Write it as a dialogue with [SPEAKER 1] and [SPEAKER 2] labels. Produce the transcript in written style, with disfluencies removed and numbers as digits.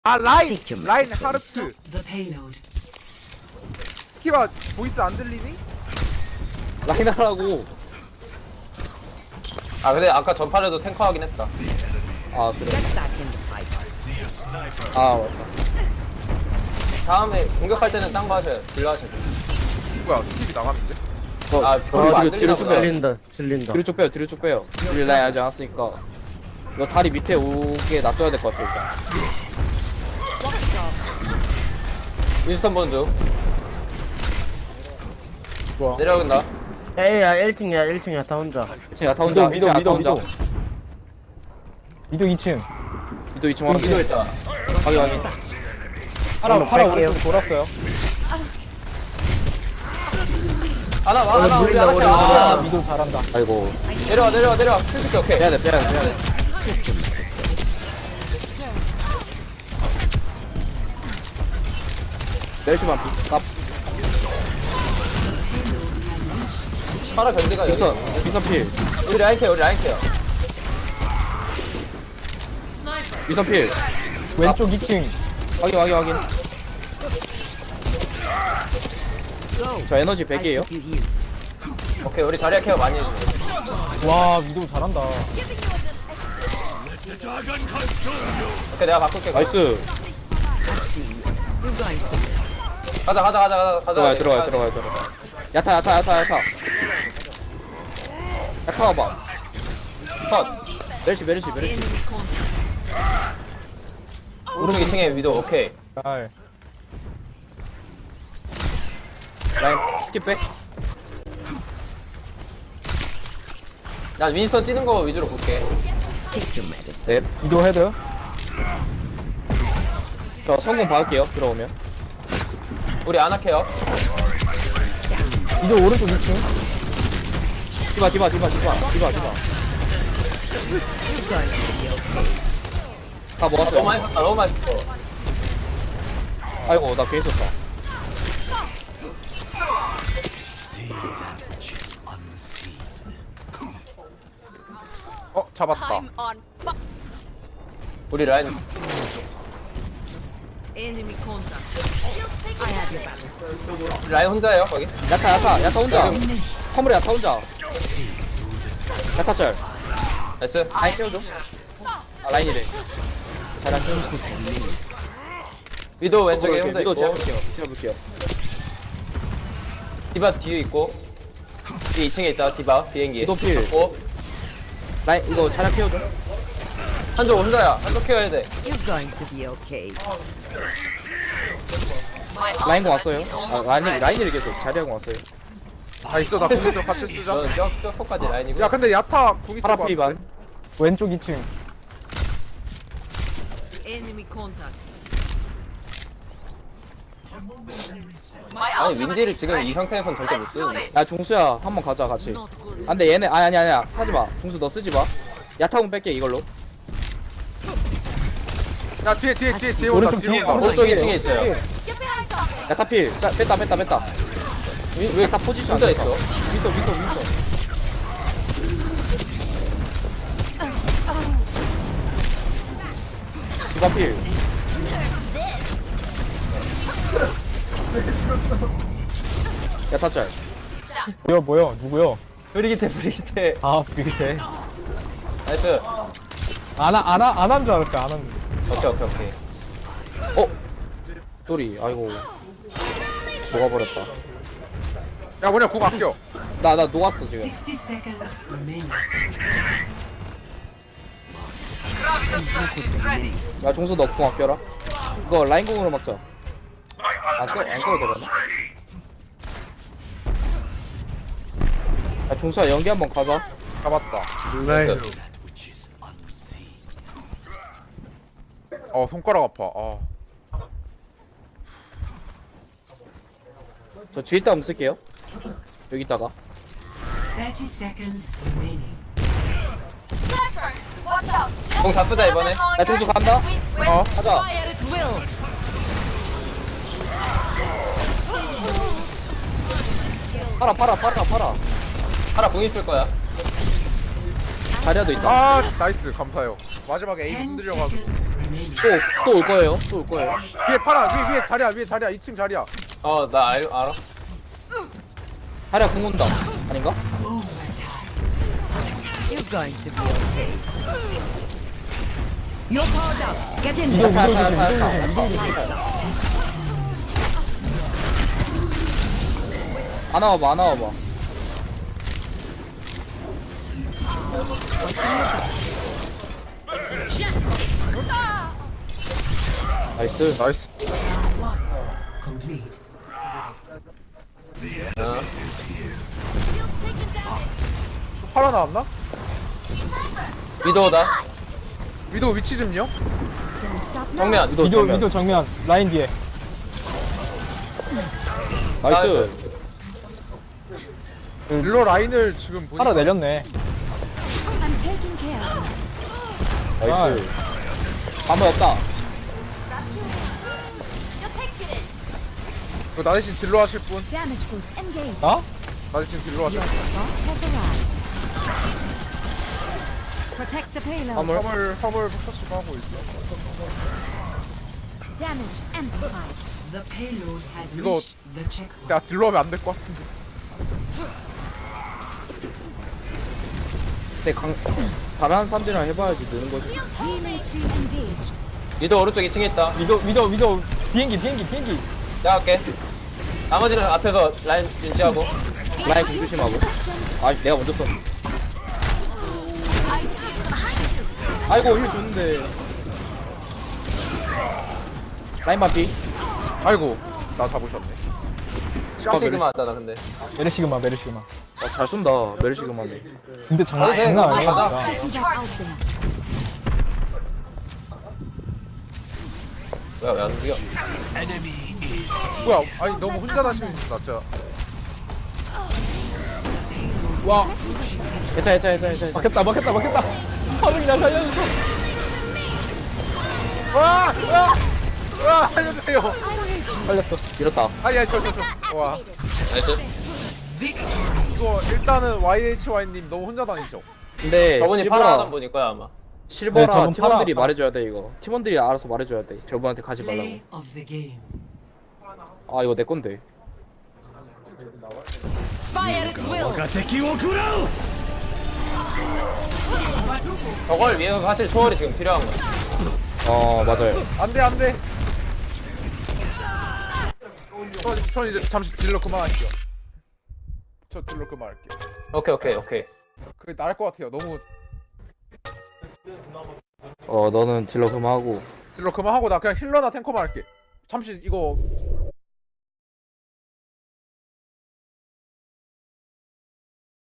[SPEAKER 1] 아 라인 하르트.
[SPEAKER 2] The payload.
[SPEAKER 1] 키가 보이스 안 들리니?
[SPEAKER 3] 라인 하라고.
[SPEAKER 4] 아 근데 아까 전판에도 탱커 하긴 했다.
[SPEAKER 3] 아 그래.
[SPEAKER 2] Get back in the fight.
[SPEAKER 3] 아 맞다.
[SPEAKER 4] 다음에 공격할 때는 딴 거 하셔요. 딜러 하셔요.
[SPEAKER 1] 뭐야 TV 나갔는데?
[SPEAKER 4] 아 별로 안
[SPEAKER 3] 뒤로 쭉
[SPEAKER 4] 들리나
[SPEAKER 3] 빼요.
[SPEAKER 5] 질린다.
[SPEAKER 3] 뒤로 쭉 빼요. 뒤로 쭉 빼요. 우리 라인 하지 않았으니까. 이거 다리 밑에 오게 놔둬야 될 것 같아 일단.
[SPEAKER 4] 윈스턴 본드
[SPEAKER 5] 좋아.
[SPEAKER 4] 내려간다.
[SPEAKER 5] 에이야 1층이야 다 혼자.
[SPEAKER 3] 지금 야타 혼자.
[SPEAKER 5] 미도,
[SPEAKER 3] 야타
[SPEAKER 5] 미도,
[SPEAKER 3] 혼자.
[SPEAKER 5] 미도. 미도 2층.
[SPEAKER 3] 미도 2층 확인.
[SPEAKER 4] 위도 있다.
[SPEAKER 3] 확인.
[SPEAKER 5] 파라 오른쪽 돌았어요.
[SPEAKER 4] 하나 와 하나 우리 하나
[SPEAKER 5] 아
[SPEAKER 4] 아,
[SPEAKER 5] 미도 잘한다.
[SPEAKER 3] 아이고.
[SPEAKER 4] 내려와 킬줄게 오케이.
[SPEAKER 3] 빼야 돼. 멜시만 깝.
[SPEAKER 4] 하나 견디가 여기.
[SPEAKER 3] 미선 필.
[SPEAKER 4] 우리 라인 케어.
[SPEAKER 3] 미선 필.
[SPEAKER 5] 왼쪽 2층.
[SPEAKER 3] 확인. 저 에너지 100이에요.
[SPEAKER 4] 오케이 우리 자리야 케어 많이 해줘.
[SPEAKER 5] 와 미도 잘한다.
[SPEAKER 4] 오케이 내가 바꿀게.
[SPEAKER 3] 나이스.
[SPEAKER 2] You guys.
[SPEAKER 4] 가자.
[SPEAKER 3] 들어가요. 야타. 야타 와봐.
[SPEAKER 4] 컷.
[SPEAKER 3] 멜시.
[SPEAKER 2] Enemy contact.
[SPEAKER 4] 오른쪽 2층에 위도 오케이.
[SPEAKER 5] 잘.
[SPEAKER 3] 라인 스킵백.
[SPEAKER 4] 난 윈스턴 뛰는 거 위주로 볼게.
[SPEAKER 3] 네.
[SPEAKER 5] 미도 헤드.
[SPEAKER 3] 저 성공 받을게요. 들어오면.
[SPEAKER 4] 우리 아나 케어.
[SPEAKER 5] 미도 오른쪽 2층.
[SPEAKER 3] 디바.
[SPEAKER 2] You guys will be okay.
[SPEAKER 3] 다 먹었어요.
[SPEAKER 4] 너무 많이 썼어.
[SPEAKER 3] 아이고 나 괜히 썼다.
[SPEAKER 1] 잡았다.
[SPEAKER 4] 우리 라인
[SPEAKER 2] Enemy contact. I have your back.
[SPEAKER 4] 라인 혼자예요 거기.
[SPEAKER 3] 야타 혼자. 화물에 야타 혼자. 야타 짤.
[SPEAKER 4] 나이스.
[SPEAKER 3] 라인 깨워줘. 아 라인이래. 잘한 중.
[SPEAKER 4] 위도 왼쪽에 혼자
[SPEAKER 3] 위도
[SPEAKER 4] 있고.
[SPEAKER 3] 제가 볼게요.
[SPEAKER 4] 디바 뒤에 있고. 뒤에 2층에 있다. 디바 비행기.
[SPEAKER 3] 위도 필.
[SPEAKER 4] 오.
[SPEAKER 3] 라인 이거 잘한 깨워줘.
[SPEAKER 4] 한쪽 혼자야. 한쪽 케어해야 돼.
[SPEAKER 2] You're going to be okay.
[SPEAKER 3] 라인 공 왔어요. 아 라인이 계속 자리하고 왔어요.
[SPEAKER 1] 다 있어 나 궁 있어 같이 쓰자.
[SPEAKER 4] 저는 저 속까지 라인이고.
[SPEAKER 1] 야 근데 야타 궁 있어.
[SPEAKER 3] 파라 피반.
[SPEAKER 5] 왼쪽 2층.
[SPEAKER 2] Enemy contact.
[SPEAKER 4] 아니 윈디를 지금 이 상태에선 절대 못 쓰는데.
[SPEAKER 3] 야 종수야 한번 가자 같이.
[SPEAKER 2] Not good.
[SPEAKER 3] 안돼 얘네 아니야 하지 마. 종수 너 쓰지 마. 야타공 뺄게 이걸로.
[SPEAKER 1] 야 뒤에 온다.
[SPEAKER 5] 오른쪽
[SPEAKER 1] 뒤에
[SPEAKER 5] 뒤에.
[SPEAKER 1] 온다.
[SPEAKER 4] 오른쪽 2층에 있어요.
[SPEAKER 3] 야타 필. 뺐다.
[SPEAKER 4] 왜
[SPEAKER 3] 야타 포지션
[SPEAKER 4] 혼자
[SPEAKER 3] 안
[SPEAKER 4] 있어?
[SPEAKER 3] 좋다. 미소. 디바 필. 야타 짤.
[SPEAKER 5] 뭐야 누구요?
[SPEAKER 4] 브리기테.
[SPEAKER 5] 아 비게.
[SPEAKER 4] 나이스.
[SPEAKER 5] 안한 줄 알았어요. 안 한.
[SPEAKER 4] 오케이.
[SPEAKER 3] 어? 쏘리 아이고 녹아버렸다.
[SPEAKER 1] 야 뭐냐 궁 아껴.
[SPEAKER 3] 나 녹았어 지금.
[SPEAKER 2] 60 seconds remaining.
[SPEAKER 3] 야 종수 너 공 아껴라. 이거 라인 공으로 막자. 안 써도 되려나? 야 종수야 연기 한번 가자.
[SPEAKER 1] 잡았다. 손가락 아파.
[SPEAKER 3] 저 뒤에 있다 쓸게요. 여기 있다가
[SPEAKER 2] 30 seconds remaining.
[SPEAKER 4] 공 다 쓰자 이번에.
[SPEAKER 3] 야 종수 간다. 가자.
[SPEAKER 2] Fire at will.
[SPEAKER 3] 팔아.
[SPEAKER 4] 하나 공 있을 거야.
[SPEAKER 3] 자리야도 있다.
[SPEAKER 1] 아 나이스 감사해요. 마지막에 에임
[SPEAKER 2] 10
[SPEAKER 1] 흔들려가지고.
[SPEAKER 2] seconds remaining.
[SPEAKER 3] 또 올 거예요. 또 올 거예요.
[SPEAKER 1] 위에 파라 위에 자리야 위에 자리야 2층 자리야.
[SPEAKER 4] 나 알아.
[SPEAKER 3] 하랴 궁 온다. 아닌가?
[SPEAKER 2] You're going to be okay. You're powered up. Get in.
[SPEAKER 5] 이동
[SPEAKER 3] 다,
[SPEAKER 5] 이동
[SPEAKER 3] 다,
[SPEAKER 5] 조심
[SPEAKER 3] 다,
[SPEAKER 5] 이동 조심 이동 조심.
[SPEAKER 3] 안 와봐, 안 와봐. 나이스.
[SPEAKER 1] 나이스.
[SPEAKER 2] Complete.
[SPEAKER 1] 파라 나왔나?
[SPEAKER 4] 위도우다.
[SPEAKER 1] 위도 위치 좀요.
[SPEAKER 4] 정면.
[SPEAKER 3] 위도
[SPEAKER 5] 위도
[SPEAKER 3] 정면.
[SPEAKER 5] 위도 정면 라인 뒤에.
[SPEAKER 3] 나이스.
[SPEAKER 1] 일로 라인을 지금 보니까
[SPEAKER 5] 하나 내렸네.
[SPEAKER 3] 나이스. 아무 없다.
[SPEAKER 1] 이거 나 대신 딜러 하실 분?
[SPEAKER 6] Damage boost engaged.
[SPEAKER 5] 어?
[SPEAKER 1] 나 대신 딜러 하실 분?
[SPEAKER 6] Bot has arrived. Protect the payload.
[SPEAKER 1] 화물 포커스가 하고 있어.
[SPEAKER 6] Damage amplified.
[SPEAKER 2] The payload has
[SPEAKER 1] 이거-
[SPEAKER 2] reached the checkpoint.
[SPEAKER 1] 내가 딜러 하면 안 될 것 같은데.
[SPEAKER 3] 근데 잘하는 사람들이랑 해봐야지 느는 거지.
[SPEAKER 6] Healing stream engaged.
[SPEAKER 4] 위도우 오른쪽 2층에 있다.
[SPEAKER 5] 위도 비행기.
[SPEAKER 4] 내가 할게. 나머지는 앞에서 라인 유지하고.
[SPEAKER 3] 라인 궁 조심하고. 아, 내가 먼저 썼. 아이고 힐 줬는데. 라인 반피.
[SPEAKER 1] 아이고 나 잡으셨네.
[SPEAKER 4] 샤시그마 하잖아 근데.
[SPEAKER 5] 메르시그마.
[SPEAKER 3] 잘 쏜다. 메르시그마네.
[SPEAKER 5] 근데 장난 아니야
[SPEAKER 4] 가자.
[SPEAKER 5] 진짜.
[SPEAKER 6] Taking that out there.
[SPEAKER 4] 뭐야 왜 안 움직여?
[SPEAKER 1] 뭐야? 아니 너무 혼자 다니는 나 진짜.
[SPEAKER 3] 괜찮아.
[SPEAKER 5] 막혔다. 화면이 날 살려줬어.
[SPEAKER 1] 와 살려주세요.
[SPEAKER 5] 살렸어.
[SPEAKER 3] 밀었다.
[SPEAKER 1] 아니야 저. 와
[SPEAKER 4] 나이스.
[SPEAKER 1] 이거 일단은 YHY님 너무 혼자 다니죠.
[SPEAKER 3] 근데
[SPEAKER 4] 저분이 파라 하던 분일 거야 아마.
[SPEAKER 5] 네,
[SPEAKER 3] 실버라
[SPEAKER 5] 저분
[SPEAKER 3] 팀원들이
[SPEAKER 5] 팔아.
[SPEAKER 3] 말해줘야 돼 이거. 팀원들이 알아서 말해줘야 돼. 저분한테 가지 말라고.
[SPEAKER 2] Play of the game.
[SPEAKER 3] 아 이거 내 건데.
[SPEAKER 2] Fire at will.
[SPEAKER 4] 저걸 위해서 사실 초월이 지금 필요한 거야.
[SPEAKER 3] 맞아요.
[SPEAKER 1] 안돼. 전 이제 잠시 딜러 그만할게요. 저 딜러 그만할게요.
[SPEAKER 4] 오케이.
[SPEAKER 1] 그게 나을 것 같아요. 너무
[SPEAKER 3] 너는 딜러 그만하고.
[SPEAKER 1] 딜러 그만하고 나 그냥 힐러나 탱커만 할게. 잠시 이거